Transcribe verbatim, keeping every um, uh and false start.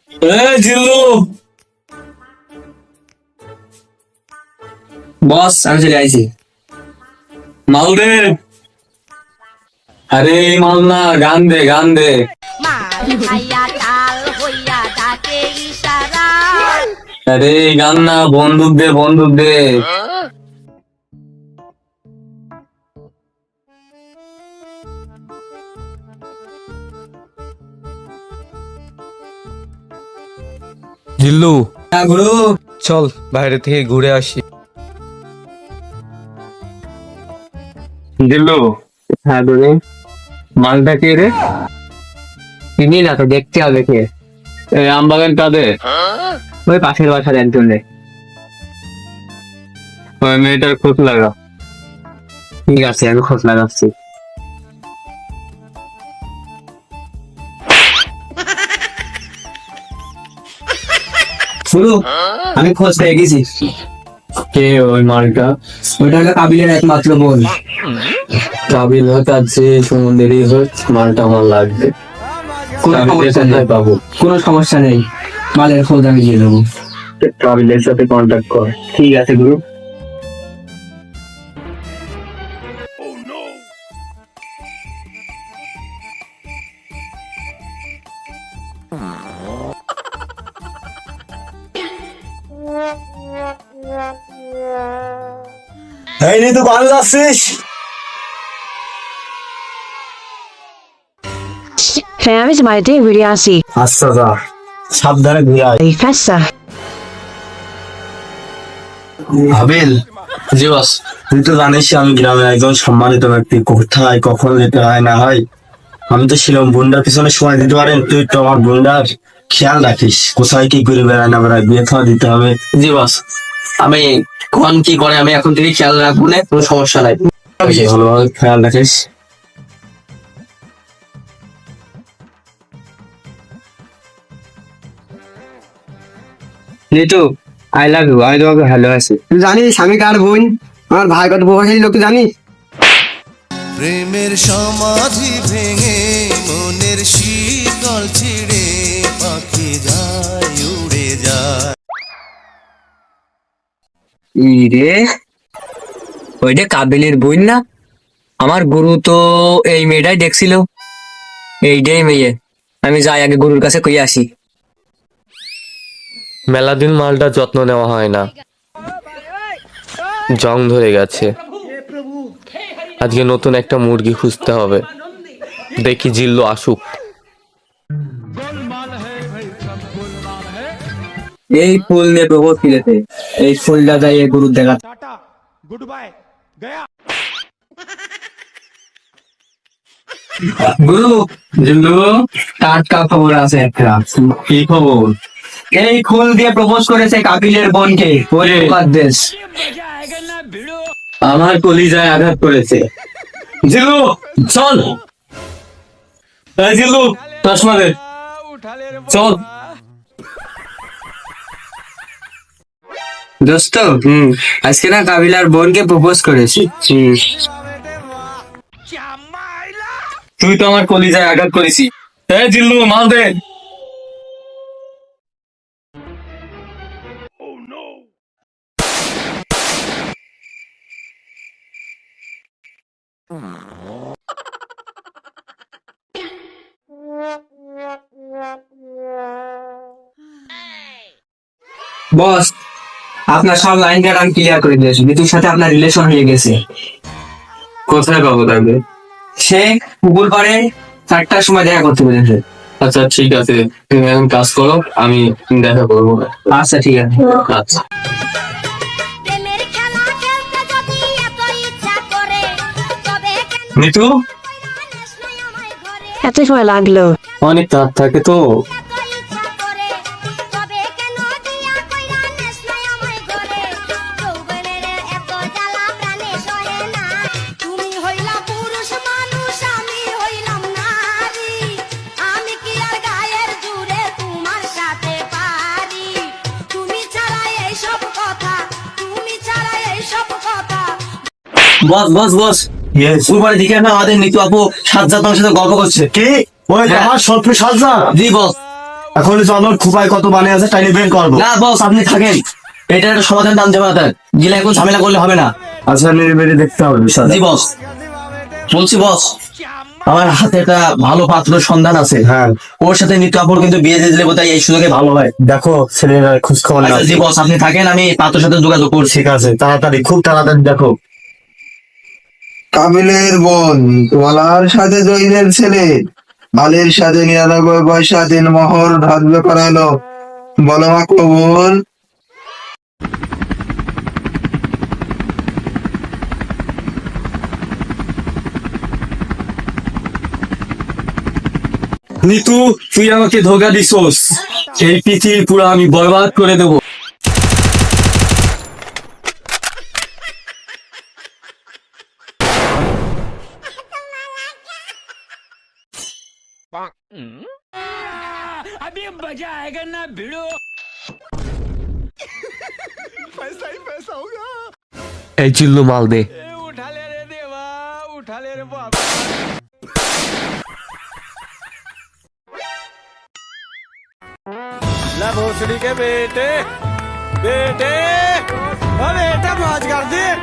এই জিল্লু, বস আমি চলে আইছি। মাল দে। আরে মাল না, গান দে গান দে। আরে গান না, বন্দুক দে বন্দুক দে। জিল্লু, হ্যাঁ গুরু। চল বাইরে থেকে ঘুরে আসি। জিল্লু। হ্যাঁ গুরু। মালটা কে রে? চিনি না তো, দেখতে হবে কে। এই আমবাগান কাদের? ওই পাশের বাসার একজন রে। ওই মেয়েটার খোঁজ লাগা। ঠিক আছে, আমি খোঁজ লাগাচ্ছি। শুরু, আমি খোঁজ পেয়ে গেছি। কে ওই মালটা? ওইটা হলো কাবিলের একমাত্র বোন। কাবিল হোক আর যে সুমন্দিরই হোক, মালটা আমার লাগবে। কোনো সমস্যা নেই পাবো, কোনো সমস্যা নেই, মালের খোঁজ আমি দিয়ে দেবো। কাবিলের সাথে কন্ট্যাক্ট কর। ঠিক আছে গুরু। এই নি তো ভালো যাচ্ছিস? Family's my day really আসি। আচ্ছা যা, সাবধানে ঘুরে আয়। এই ফেসা। হাবিল, জি বস। তুই তো জানিস আমি গ্রামের একজন সম্মানিত ব্যক্তি, কোথায় কখন যেতে হয় না হয় আমি তো ছিলাম। বোনটার পিছনে সময় দিতে পারেন? তুই তো আমার বোনটার খেয়াল রাখিস, কোথায় কি করে বেড়ায় না বেড়ায়, বিয়ে থাওয়া দিতে হবে। জি বস, আমি কোন কি করে আমি এখন থেকে খেয়াল রাখবো না, কোনো সমস্যা নাই। ভালোভাবে খেয়াল রাখিস। Nitu, I love you. আমি তোমাকে ভালোবাসি। তুই জানিস আমি কার বোন? আমার ভাই কত প্রভাবশালী লোক, তুই জানিস? প্রেমের সমাধি ভেঙে মনের শীতল ছিড়ে পাখি যায় উড়ে যায়। রে, ওইটা কাবিলের বই না? আমার গুরু তো এই মেয়েটাই দেখছিল। এইটাই মেয়ে। আমি যাই আগে গুরুর কাছে কই আসি। মেলা দিন মালটা যত্ন নেওয়া হয় না, জং ধরে গেছে। আজকে নতুন একটা মুরগি খুঁজতে হবে। দেখি জিল্লু আসুক। এই ফুল নিয়ে প্রবোধ ফিরেছে। এই ফুলটা যাই গুরুর দেখা। গুরু, জিল্লু, টাটকা খবর আছে একটা। কি খবর? এই ফুল দিয়ে প্রপোজ করেছে কাবিলের বোনকে। ওরে দেশ আমার কলিজায় আঘাত করেছে। জিল্লু চল। এই জিল্লু, চশমা দে, চল। দোস্ত, হম আজকে না কাবিলার বোনকে প্রপোজ করেছি। তুই তো আমার কলিজায় আঘাত করেছি। এই জিল্লু, মাল দে। বস, আপনার সব লাইন কাট আমি ক্লিয়ার করে দিয়েছি। মিতুর সাথে আপনার রিলেশন হয়ে গেছে। কোথায় পাবো তাকে? সে পুকুর পাড়ে চারটার সময় দেখা করতে পেরেছে। আচ্ছা ঠিক আছে, তুমি এখন কাজ করো, আমি দেখা করবো। আচ্ছা ঠিক আছে। আচ্ছা মিতু, এত সময় লাগলো? অনেক তাপ থাকে তো। বস বস বস, উপরে দিকে না আমাদের নিতু আপু সাজ্জাদ আমার সাথে গল্প করছে। কি? ওই আমার শত্রু সাজ্জাদ? জি বস। এখন চলো খুপায় কত বানে আছে টাইনি বের করবো। না বস আপনি থাকেন, এটা একটা সমাধান দাম যাবে না, গিলে এখন ঝামেলা করলে হবে না। আচ্ছা নির্বেড়ে দেখতে হবে বিষয়টা। জি বস, বলছি বস, আমার হাতে একটা ভালো পাত্র সন্ধান আছে, হ্যাঁ ওর সাথে নিত্য আপন কিন্তু বিয়ে দিয়ে দিলে বোধহয় এই সুযোগে ভালো হয়। দেখো ছেলেরা খোঁজ খবর নাও। আচ্ছা জি বস আপনি থাকেন, আমি পাত্রের সাথে যোগাযোগ করছি। ঠিক আছে তাড়াতাড়ি, খুব তাড়াতাড়ি দেখো। কাবিলের বোন তোলার সাথে জয়ীদের ছেলে আলীর সাথে নিরানব্বই পয়সা তিন মোহর ধার্য করালো, বলো মা কবুল। নিতু তুই আমাকে ধোকা দিছোস, এই পৃথিবী পুরো আমি বরবাদ করে দেবো। এই জিল্লু মাল দে। भोसड़ी के बेटे बेटे बेटा मौज कर दे।